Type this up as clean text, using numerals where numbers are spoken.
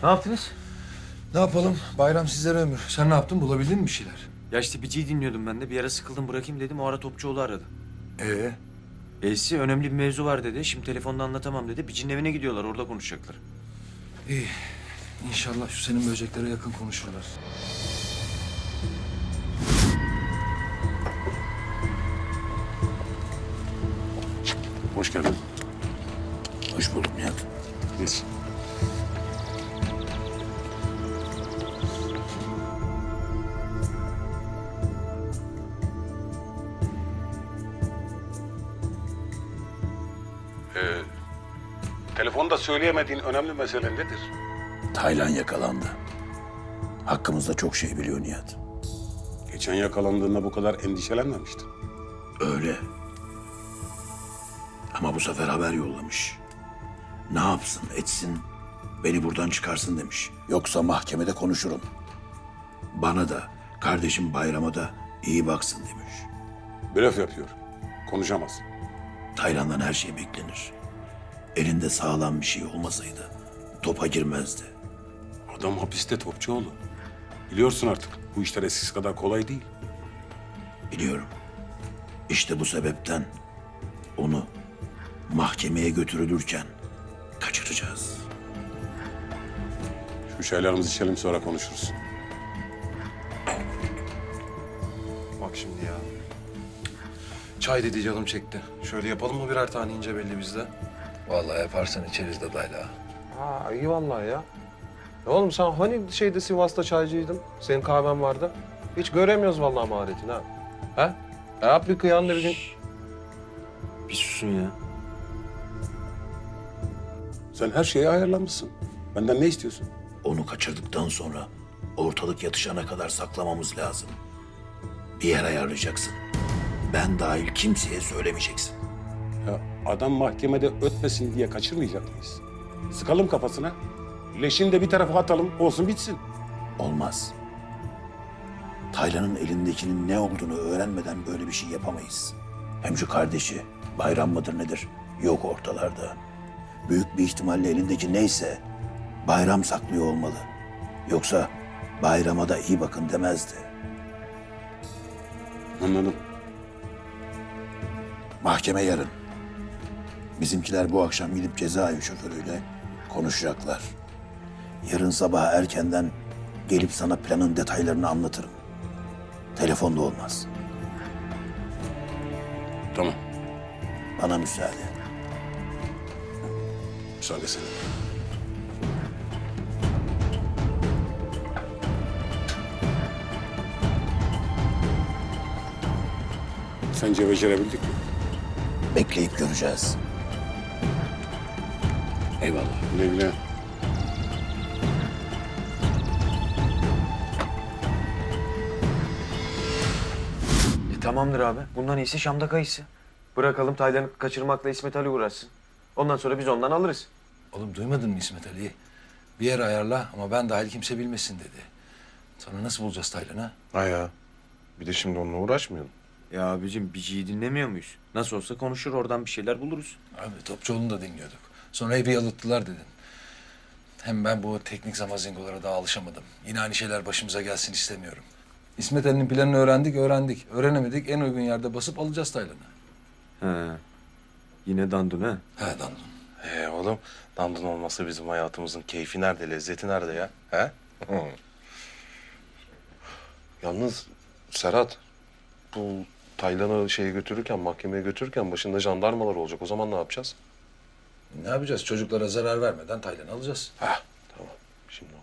Ne yaptınız? Ne yapalım? Bayram sizlere ömür. Sen ne yaptın? Bulabildin mi bir şeyler? Ya işte Bici'yi dinliyordum ben de. Bir ara sıkıldım bırakayım dedim. O ara Topçuoğlu aradı. Ee? Elsi önemli bir mevzu var dedi. Şimdi telefonda anlatamam dedi. Bici'nin evine gidiyorlar. Orada konuşacaklar. İyi. İnşallah şu senin böceklere yakın konuşurlar. Hoş geldin. Hoş bulduk Nihat. Geç. Telefonda söyleyemediğin önemli mesele nedir? Taylan yakalandı. Hakkımızda çok şey biliyor Nihat. Geçen yakalandığında bu kadar endişelenmemiştin. Öyle. Ama bu sefer haber yollamış. Ne yapsın etsin, beni buradan çıkarsın demiş. Yoksa mahkemede konuşurum. Bana da, kardeşim Bayram'a da iyi baksın demiş. Blöf yapıyor. Konuşamaz. Taylan'dan her şey beklenir. Elinde sağlam bir şey olmasaydı topa girmezdi. Adam hapiste Topçuoğlu. Biliyorsun artık bu işler eskisi kadar kolay değil. Biliyorum. İşte bu sebepten onu mahkemeye götürülürken kaçıracağız. Şu çaylarımızı içelim sonra konuşuruz. Bak şimdi ya. Çay dedi canım çekti. Şöyle yapalım mı birer tane ince belli bizde? Vallahi yaparsan içeriz de dayla. Ha iyi vallahi ya. Ya oğlum sen hani şeyde Sivas'ta çaycıydın? Senin kahven vardı. Hiç göremiyoruz vallahi maharetini ha. Ha? Yap bir kıyan da bir gün. Bir susun ya. Sen her şeye ayarlanmışsın. Benden ne istiyorsun? Onu kaçırdıktan sonra ortalık yatışana kadar saklamamız lazım. Bir yer ayarlayacaksın. Ben dahil kimseye söylemeyeceksin. Ya adam mahkemede ötmesin diye kaçırmayacak mıyız? Sıkalım kafasına. Leşini de bir tarafa atalım, olsun bitsin. Olmaz. Taylan'ın elindekinin ne olduğunu öğrenmeden böyle bir şey yapamayız. Hem şu kardeşi, Bayram mıdır nedir? Yok ortalarda. Büyük bir ihtimalle elindeki neyse Bayram saklıyor olmalı. Yoksa Bayram'a da iyi bakın demezdi. Anladım. Mahkeme yarın. Bizimkiler bu akşam gidip cezaevi şoförüyle konuşacaklar. Yarın sabah erkenden gelip sana planın detaylarını anlatırım. Telefonda olmaz. Tamam. Bana müsaade. Müsaade senin. Sence becerebildik mi? Bekleyip göreceğiz. Eyvallah. Güle güle. Tamamdır abi. Bundan iyisi Şam'da kayısı. Bırakalım Taylan'ı kaçırmakla İsmet Ali uğraşsın. Ondan sonra biz ondan alırız. Oğlum duymadın mı İsmet Ali'yi? Bir yer ayarla ama ben dahil kimse bilmesin dedi. Sonra nasıl bulacağız Taylan'ı? Ha ya. Bir de şimdi onunla uğraşmayalım. Ya abicim Bici'yi dinlemiyor muyuz? Nasıl olsa konuşur oradan bir şeyler buluruz. Abi Topçuoğlu'nu da dinliyorduk. Sonra evi yalıttılar dedin. Hem ben bu teknik zamazingolara daha alışamadım. Yine aynı şeyler başımıza gelsin istemiyorum. İsmet Ali'nin planını öğrendik. Öğrenemedik, en uygun yerde basıp alacağız Taylan'ı. He. Yine dandun ha. He Dandun. Oğlum, dandun olmasa bizim hayatımızın keyfi nerede, lezzeti nerede ya? He? Hı. Yalnız Serhat, bu Taylan'ı şeye götürürken, mahkemeye götürürken başında jandarmalar olacak. O zaman ne yapacağız? Ne yapacağız? Çocuklara zarar vermeden Taylan'ı alacağız. Heh, tamam. Şimdi